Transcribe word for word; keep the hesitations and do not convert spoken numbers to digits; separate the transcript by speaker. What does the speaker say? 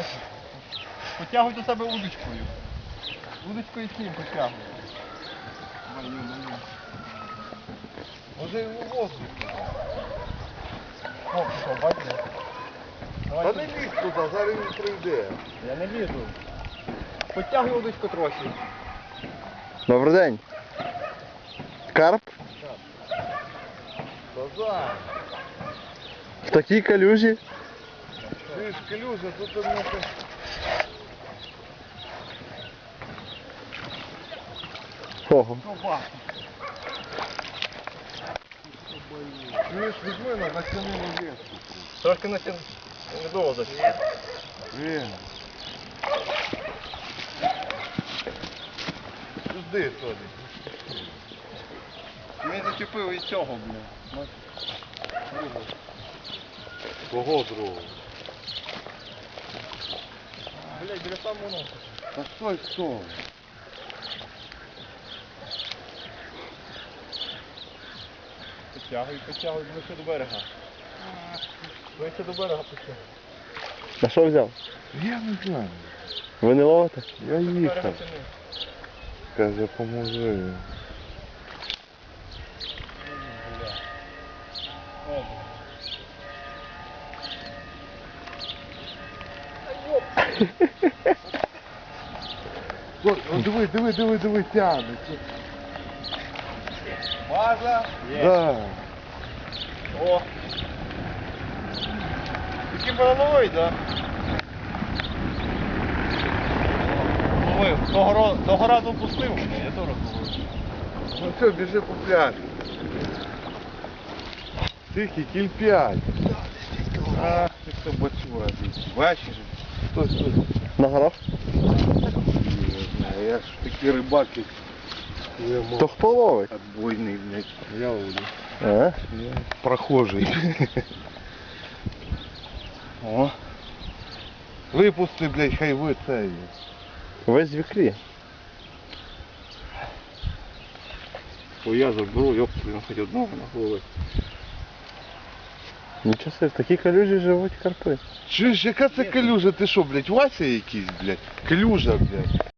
Speaker 1: бачиш? Потягуй до себе удочкою. Удочкою з ним потягуй. Маю, маю.
Speaker 2: Може його воздух.
Speaker 1: О, пішов, бачиш?
Speaker 2: Та не лізь туди, зараз він прийде.
Speaker 1: Я не лізу. Потягуй удочку трохи.
Speaker 3: Добрий день. Карп?
Speaker 2: Назад.
Speaker 3: В такій калюжі?
Speaker 2: Ти ж калюжа, тут у мене...
Speaker 3: Ого.
Speaker 1: Опа.
Speaker 2: Чуєш, візьми на натягнемо леску.
Speaker 1: Трошки натягну. Недовго зачем.
Speaker 2: Він. Жди, Толі.
Speaker 1: Ми зачепив і цього, блін.
Speaker 2: Кого другого?
Speaker 1: Блять, біля самого носа.
Speaker 2: Та стой, стой.
Speaker 1: Потягуй, потягуй, ближче до берега. Ближче до берега потягуй.
Speaker 3: На що взяв?
Speaker 2: Я не знаю.
Speaker 3: Ви не ловите?
Speaker 2: Я
Speaker 1: Берега
Speaker 2: їхав.
Speaker 1: тяни.
Speaker 2: Каже, поможи.
Speaker 1: О,
Speaker 2: Ой, о, диви, диви, диви, диви, тягне.
Speaker 1: база. Є.
Speaker 2: Да.
Speaker 1: О. Такий барановий, да? Ловив. Того, ро- того разу пустив мене, я то розловив.
Speaker 2: Ну все, біжи по пляжу. Тихий, кіль п'ять. Ах, ти хто бачила. Бачиш? Стой, стой.
Speaker 3: На горах?
Speaker 2: Не знаю, я ж такий рибак, як я мав.
Speaker 3: То хто ловить?
Speaker 2: Отбойний, блядь. Я ловлю.
Speaker 3: А?
Speaker 2: Я прохожий.
Speaker 1: О.
Speaker 2: Випусти, блядь, хай ви це.
Speaker 3: Весь в ікрі.
Speaker 1: О, я заберу, йоп, він хоч одного нахловив.
Speaker 3: Нічого собі, в такій калюжі живуть карпи.
Speaker 2: Чуєш, яка це калюжа? Ти що, блядь, Вася якийсь, блядь? Калюжа, блядь.